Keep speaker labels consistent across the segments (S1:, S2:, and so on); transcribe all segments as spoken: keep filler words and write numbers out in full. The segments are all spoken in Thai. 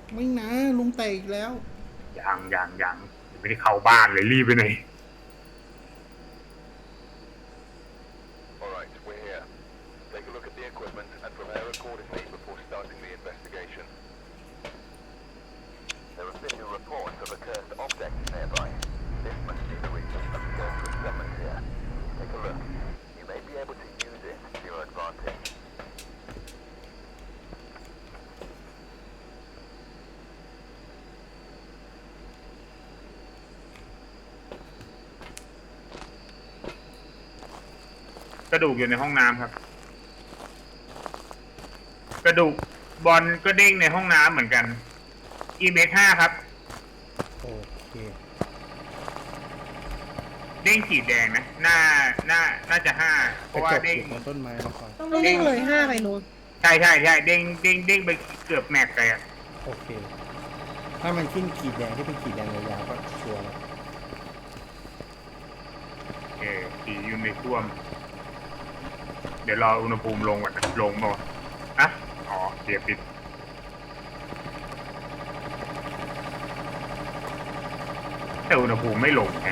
S1: ไม่นะลุงแตกอีกแล้ว
S2: ยังยังยังไม่ได้เข้าบ้านเลยรีบไปไหน
S3: All right, we're here. Take a look at the equipment and prepare accordingly before starting the investigation. There have been new reports of accursed objects nearby. This must be the region of sacred summons here. Take a look. You may be able to use it to your advantage.
S2: กระดูกอยู่ในห้องน้ำครับกระดูกบอลก็เด้งในห้องน้ำเหมือนกัน อี เอ็ม เอส ห้าครับ
S1: โอเค
S2: เด้งขีดแดงนะหน้าหน้าน่าจะห้าเพ
S1: กระจ
S2: ราะว่าเด้ง
S1: กอยู่ตรงต้นไม้มาก่อน
S4: ต้องเด้งเลยห้าไปลุง
S2: ใช่ใช่ใช่เด้งเด้งเด้งไปเกือบแม็กเลยอะ
S1: โอเคถ้ามันขึ้นขีดแดงที่เป็นขีดแดงยาวๆก็ชัวร์แล้ว
S2: เออผีอยู่ในท่วมเดี๋ยวรออุณหภูมิลงก่อนนะลงบ่อะอ๋อเสียปิดแต่อุณหภูมิไม่ลงไง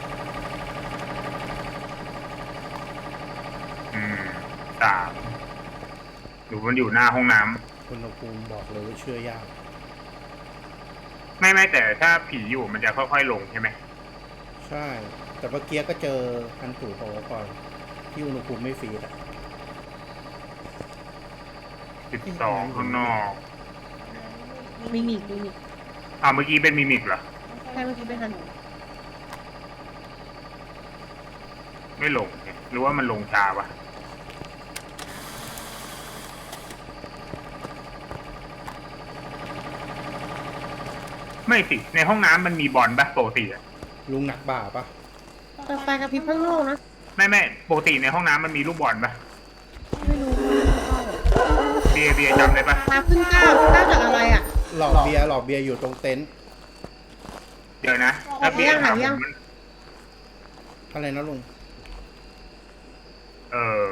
S2: อืมสามหรือมันอยู่หน้าห้องน้ำ
S1: อุณหภูมิบอกเลยว่าเชื่อยาก
S2: ไม่ไม่แต่ถ้าผีอยู่มันจะค่อยๆลงใช่ไหม
S1: ใช่แต่เมื่อกี้ก็เจอคันถูโผล่ก่อนที่อุณหภูมิไม่ฟรีอ่ะ
S2: สิบสองข้างนอก
S4: มิมิกมิมิก
S2: อ่าเมื่อกี้เป็นมิมิกเหรอ
S4: ใช่เมื่อกี้เป็นทัน
S2: ไม่ลงหรือว่ามันลงช้าวะไม่สิในห้องน้ำมันมีบอลปะปกติอะ
S1: ลุงหนักบ่าปะ
S4: แต่ไฟกระพริบข้างนอกนะ
S2: ไม่ไม่ปกติในห้องน้ำมันมีลูกบอลปะ
S4: ไม่รู้
S2: เบียร์เบียร์จำได้ปะ
S4: ตาขึ้นเก้าเก้าจากอะไรอ่ะ
S1: หลอกเบียร์หลอกเบียร์อยู่ตรงเต็นท์
S2: เดี๋ยวนะถ้าเบียร์ถามผมมัน
S1: อะไรนะลุง
S2: เออ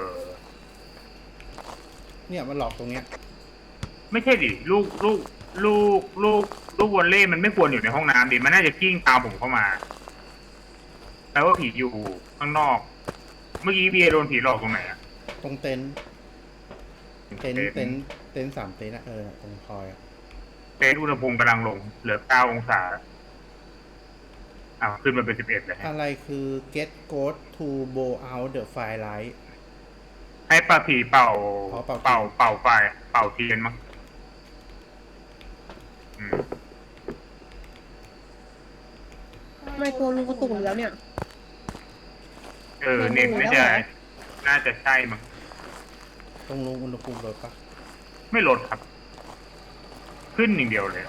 S1: เนี่ยมันหลอกตรงเนี้ย
S2: ไม่ใช่ดิลูกลูกลูกลูกลูกวอลเล่มันไม่ควรอยู่ในห้องน้ำดิมันน่าจะกิ้งตามผมเข้ามาแปลว่าผีอยู่ข้างนอกเมื่อกี้เบียร์โดนผีหลอกตรงไหนอะ
S1: ตรงเต็นท์เต็นท์เต็นท์เต็นท์สามเต็นท์อะเออตรงพอยอะ
S2: เต็นท์อุณหภูมิกำลังลงเหลือเก้าองศาอ้าวขึ้นมาเป็นสิบเอ็ดเลย
S1: อะไรคือ get go to blow out the firelight
S2: ให้ปลาผีเป่า
S1: เป่า
S2: เป่าเป่าไฟเป่าเทียนมั้ง
S4: ทำไมตัวลุงกระตุกอยู่แล้วเนี่ย
S2: เออเน็ตน่าจะน่าจะใช่มั้ง
S1: ตรงลงอุณหภูมิลดปะ
S2: ไม่ลดครับขึ้นอย่างเดียวเลย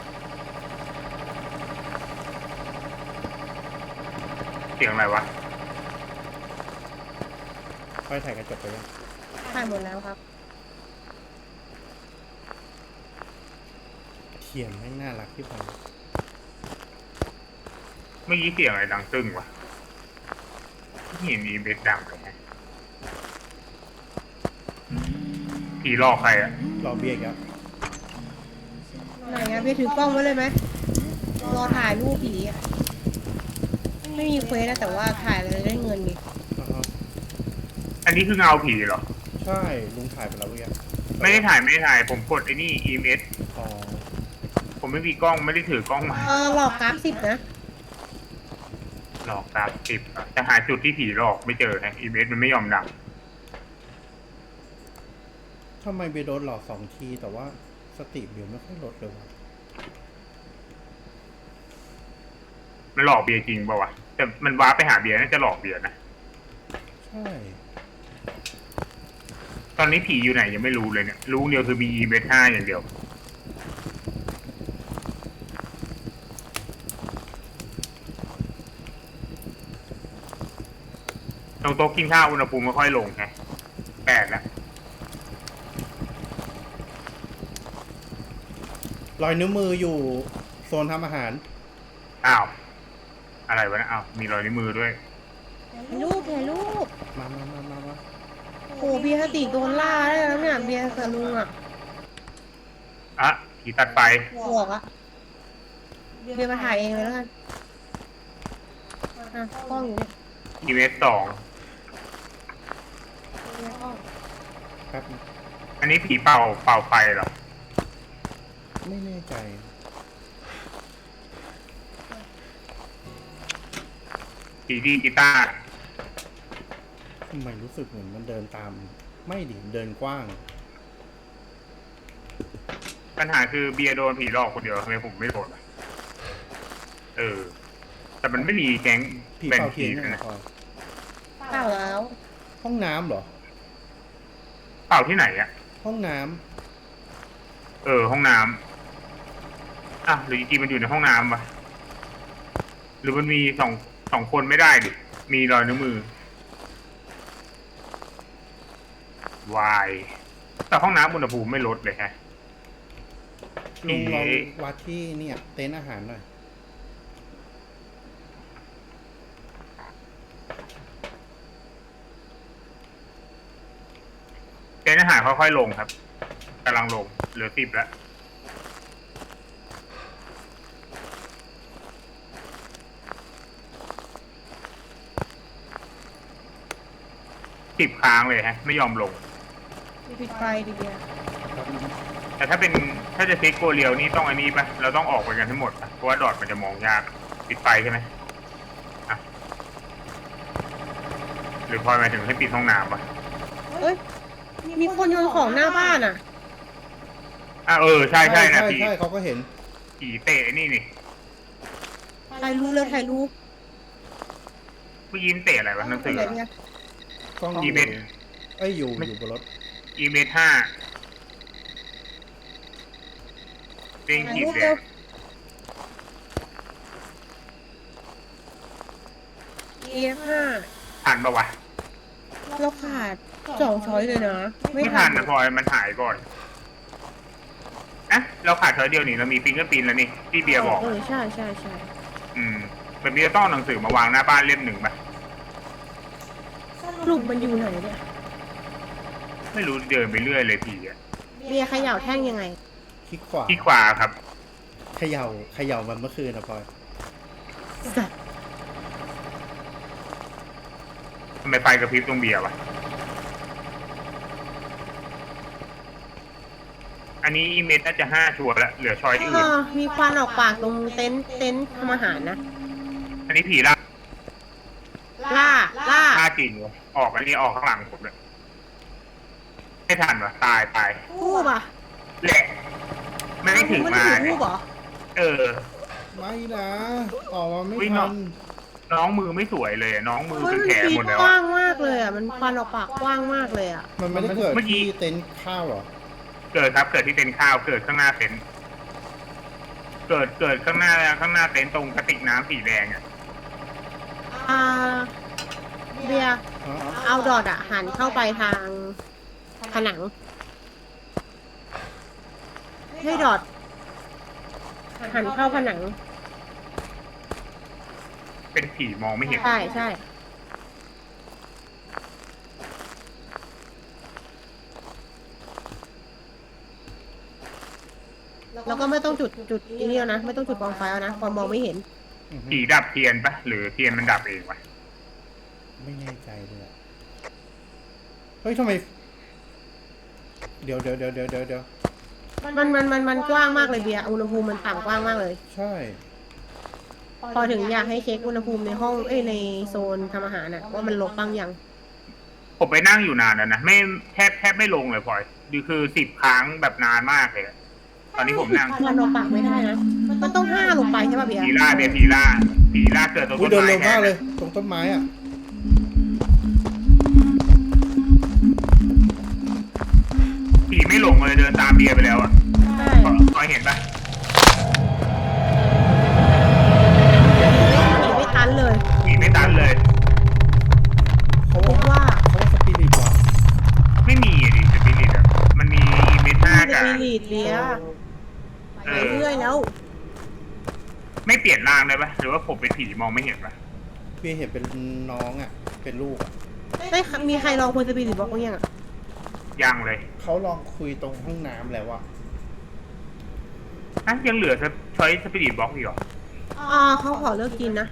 S2: เสียงอะไรวะ
S1: ค่อยถ่ายกระจกไปยัง
S4: ถ่ายหมดแล้วครับ
S1: เขียนให้น่ารักที่พอ
S2: เมื่อกี้เสียงอะไรดังตึ้งวะเห็นมีเบสดังเลยผีหลอกใครอะ
S1: รอเบียร์ครับ
S4: ไหนอะพี่ถือกล้องไว้เลยไหมรอถ่ายรูปผีอะไม่มีเควสนะแต่ว่าถ่ายเลยได้เงินดิ
S2: อันนี้คือเงาผีเหรอ
S1: ใช่ลุงถ่ายไปแล้วเมื่อกี้
S2: ไม่ได้ถ่ายไม่ได้ถ่ายผมกดไอ้นี่ อี เอ็ม เอส
S1: อ๋อ
S2: ผมไม่มีกล้องไม่ได้ถือกล้องมา
S4: เออหลอกกราฟสิบนะ
S2: หลอกตามสิบแต่หาจุดที่ผีหลอกไม่เจอฮะ อี เอ็ม เอส มันไม่ยอมดัง
S1: ทำไมเบโดนหลอกสองทีแต่ว่าสติเบียร์ไม่ค่อยลดเลยวะ
S2: มันหลอกเบียร์จริงป่าวะแต่มันว้าไปหาเบียร์น่าจะหลอกเบียร์นะ
S1: ใช่
S2: ตอนนี้ผีอยู่ไหนยังไม่รู้เลยเนี่ยรู้เดียวคือมี อี เอ็ม เอส ห้าอย่างเดียวตรงโต๊ะกินข้าวอุณหภูมิไม่ค่อยลงไงแปดแล้ว
S1: รอยนิ้วมืออยู่โซนทำอาหาร
S2: อ้าวอะไรวะนะอ้าวมีรอยนิ้วมือด้วย
S4: ถ่ายรูปถ่ายรูป
S1: มามามามามา
S4: โอ้เบียร์สติโดนล่าได้แล้วเนี่ยเบียร์กับลุงอ่ะ
S2: อะผีตัดไฟ
S4: บอกอะเบียร์มาถ่ายเองเลยแล้วกันอ่ะกล้องอยู่เนี่ย
S2: อีเวสสอง
S4: เบียร์กล้อง
S1: ครับ
S2: อันนี้ผีเป่าเป่าไฟเหรอ
S1: ไม่แน่ใจ
S2: ผีดีกีตาร์
S1: ทำไมรู้สึกเหมือนมันเดินตาม ไม่ดิเดินกว้าง
S2: ปัญหาคือเบียร์โดนผีหลอกคนเดียวทำไมผมไม่โดนอะเออ แต่มันไม่มีแก๊ง
S1: ผี
S2: เป็น
S1: เป่า
S2: ผี
S1: เทียนเนี่ย
S2: นะ
S1: นะพลอย
S4: เปล่าแล้ว
S1: ห้องน้ำเหรอ
S2: เป่าที่ไหนอะ
S1: ห้องน้
S2: เออ ห้องน้ำอ่ะหรือจริงๆมันอยู่ในห้องน้ำปะหรือมันมีสองสองคนไม่ได้ดิ มีรอยนิ้วมือวายแต่ห้องน้ำอุณหภูมิไม่ลดเลยฮะ
S1: ำลุงลองวัดที่เนี่ย เต็นท์อาหารหน่อย
S2: เจนอาหารค่อยๆลงครับกำลังลงเหลือสิบแล้วสิบค้างเลยฮะ ไม่ยอมลง
S4: ปิดไฟดิเบียร์
S2: แต่ถ้าเป็นถ้าจะเซ็กโกเรียวนี่ต้องอันนี้ปะเราต้องออกไปกันทั้งหมดปะเพราะว่าดอทมันจะมองยากปิดไฟใช่ไหมอ่ะหรือพลอยหมายถึงให้ปิดห้องน้ำปะ
S4: เอ้ยมีคนโยนของหน้าบ้านอ่ะ
S2: อ่ะเออใช่ใช่นะ
S1: ใช่
S2: ผี
S1: ใช่เขาก็เห็น
S2: ผีเตะนี่นี่
S4: ถ่ายรูปเลยถ่ายรูป
S2: เมื่อกี้มันเตะอะไรวะหนังสือ
S4: ไหนเนี่ย
S1: กล้อง
S2: อี
S1: อยู่
S2: เวนต์
S1: เอ้ยอยู่
S2: ไม่
S1: อยู่บนรถ
S2: อีเมทห้าเร่ง
S4: ถ่าย
S2: ขีด
S4: รูป
S2: แด
S4: เร็ว
S2: ง
S4: เอฟห้า
S2: ทันปะวะ
S4: เราขาดสองช้อยเลยนะ ไม่
S2: ไม่
S4: ทั
S2: ทั
S4: น
S2: นนะพลอยมันหายก่อนอะเราขาดเธอเดียวนี่เรามีฟิงเกอร์ปินแล้วนี่ที่เบียร์บอก
S4: เออใช่ใช่ใช่
S2: อืมแบบนี้จะต้องเอาหนังสือมาวางหน้าบ้านเล่มหนึ่งปะ
S4: สรุปมันอยู่ไหนเนี่ย
S2: ไม่รู้เดินไปเรื่อยเลยผีอะ
S4: เบียร์เขย่าแท่งยังไง
S1: คลิกขวา
S2: ที่ขวาครับ
S1: เขย่าเขย่ามันเมื่อคืนนะพลอย
S4: สัตว์
S2: ทำไมไฟกระพริบตรงเบียร์วะอันนี้อีเมทน่าจะห้าชัวร์แล้วเหลือชอยที่
S4: เอ
S2: อื่น
S4: อมีควันออกปากตรงเต็นท์เต็นท์ทำอาหารนะ
S2: อันนี้ผีล่า
S4: ล่าล่า
S2: ล่าจริงวะออกอันนี้ออกข้างหลังผมเลยไม่ทันวะตายตาย
S4: ทูบอ่ะ
S2: แหละไม่ได้ถึง
S4: ไม่
S2: มา
S4: ได้ถือทู
S2: เนี่ย
S4: บเหรอ
S2: เออ
S1: ไม่นะออกมาไม่
S2: อุ๊ย
S1: ทั
S2: เนาะ
S1: น
S2: น้องมือไม่สวยเลยอะน้องมือ
S4: เฮ้ย
S2: เป็น
S4: มัน
S2: แผล
S4: ปี
S2: หมด
S4: ก
S2: แล้ว
S4: กว้า
S2: อะ
S4: งมากเลยอ่ะ มันควันออกปากกว้างมากเลยอ่ะ
S1: มันไม่ได้เกิด
S2: เมื่อกี้
S1: ที่เต็นท์ข้าวเหรอ
S2: เกิดครับเกิดที่เต็นท์ข้าวเกิดข้างหน้าเต็นท์เกิดเกิดข้างหน้าข้างหน้าเต็นท์ตรงกระติกน้ำสีแดงอ่ะ
S4: อ่า เบียร์
S1: อ๋ออ๋อ
S4: เอาดอดอ่ะ หันเข้าไปทางผนัง ให้ดอด หันเข้าผนัง
S2: เป็นผีมองไม่เห็น
S4: ใช่ใช่ แล้วก็ไม่ต้องจุดจุดนี้แล้วนะ ไม่ต้องจุดกองไฟแล้วนะความมองไม่เห็น
S1: อือฮึ
S2: ผีดับเทียนปะหรือเทียนมันดับเองวะ
S1: ไม่แน่ใจเลยอะเฮ้ยทำไม เดี๋ยวเดี๋ยวเดี๋ยวเดี๋ยวเดี๋ยวเดี๋ยว
S4: มันมันมันมันกว้างมากเลยเบียร์อุณหภูมิมันต่ำกว้างมากเลย
S1: ใช่
S4: พอถึงอยากให้เช็คอุณหภูมิในห้องเอ้ยในโซนทำอาหารน่ะว่ามันลบบ้างยัง
S2: ผมไปนั่งอยู่นานแล้วนะไม่แทบแทบไม่ลงเลยพลอยดูคือสิบครั้งแบบนานมากเลยอะตอนนี้ผมนั่ง
S4: ควันออกปากไม่ได้นะ มันต้องห้าลงไปใช่ป่ะเบียร์
S2: ผีล่าเบียร์ผีล่าผีล่าเกิดตรง
S1: อุ้
S2: ต้
S1: ย
S2: น
S1: เดิน
S2: ไม้
S1: เร็ว
S2: แท
S1: มาก
S2: น
S1: เลย ตรงต้นไม้อ่ะ
S2: ผีไม่หลงเลยเดินตามเบียร์ไปแล้วอ่ะ
S4: ใช่
S2: พลอยเห็นปะ
S4: หนีไม่ทันเลย
S2: ผีไม่ตันเลย
S1: เขา
S4: คิด
S1: ว่า
S4: ว่า
S1: เขาว่าสปิริตว่ะ
S2: ไม่มีอะดิสปิริตอ่ะมันมีอีเมท่า
S4: จะ
S2: กับ
S4: มีลีดเบียร์
S2: เอ
S4: ไป
S2: อ
S4: เรื่อยแล้ว
S2: ไม่เปลี่ยนร่างได้ปะหรือว่าผมเป็นผีมองไม่เห็นปะ
S1: เพี่เห็นเป็นน้องอ่ะ เป็นลูกอ่ะ
S4: ได้มีใครลองคุยสปิริตบอกบ้างยังอ่ะ
S2: ยังเลย
S1: เขาลองคุยตรงห้องน้ำแล้วอ่ะ
S2: อ่ะยังเหลือช้อยสปิริตบล็อกอีกเหรอ
S4: อ่าเขาขอเลิกกินนะ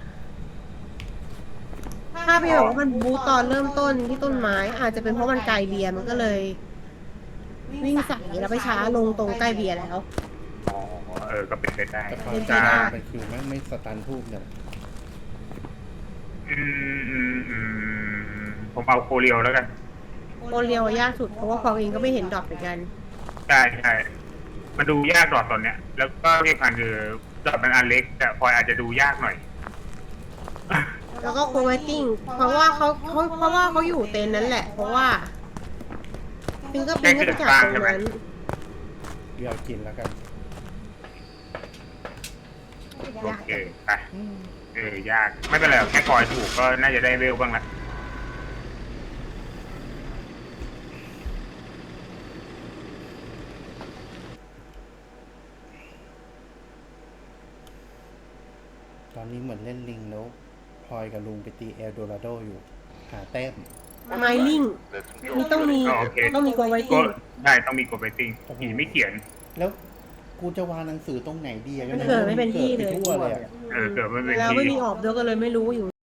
S4: ถ้าพี่บอกว่ามันบูตตอนเริ่มต้นที่ต้นไม้ อาจจะเป็นเพราะมันไกลเบียร์มันก็เลย วิ่งใส่แล้วไปช้าลงตรงใกล้เบียร์แล้ว
S2: อ๋อเออก็เป็นไปได้
S1: แต่ความ
S4: เป็นไป
S1: จริง
S4: ได้
S1: มันคือไม่ไม่สตันทูบเนี่ย
S2: อืมอืมอืมผมเอาโคเรียวแล้วกัน
S4: โอเรียวยากสุดเพราะว่าฟองเองก็ไม่เห็นดอกเหมือนกัน
S2: ใช่ใช่มันดูยากดอทตอนเนี้ย แล้วก็ที่สำคัญคือดอทมันอันเล็กแต่พลอยอาจจะดูยากหน่อย
S4: แล้วก็โคเวตติ้งเพราะว่าเขาเขาเพราะว่าเขาอยู่เต็นท์นั้นแหละ เพราะว่าฟิงเกอร์พิ้งก็ไปจากตรงนั้น
S1: เดี๋ยวกินแล้วกัน
S2: โอเคไปเออยากไม่เป็นไรหรอกแค่คอยถูกก็น่าจะได้เวลบ้างละ
S1: ตอนนี้เหมือนเล่นลิงแล้วพลอยกับลุงไปตีเอลโดราโดอยู่ หาแต้ม
S4: ไมลิงนี่ต้องมี
S2: อ๋อโอเค
S4: ต้องมีโคเวต
S2: ก็
S4: ติ้ง
S2: ได้ต้องมีกดไปติ้งผีไม่เขียน
S1: แล้วกูจะวางหนังสือตรงไหนดีอะ
S4: มันเกิดไม่เป็นที่เลย
S1: กิดไปทั่วเลยอะ
S2: เออเกิดไม่เป็น
S4: แล้ว
S2: ที่
S4: ไม่มีออบด้วยก็เลยไม่รู้อยู่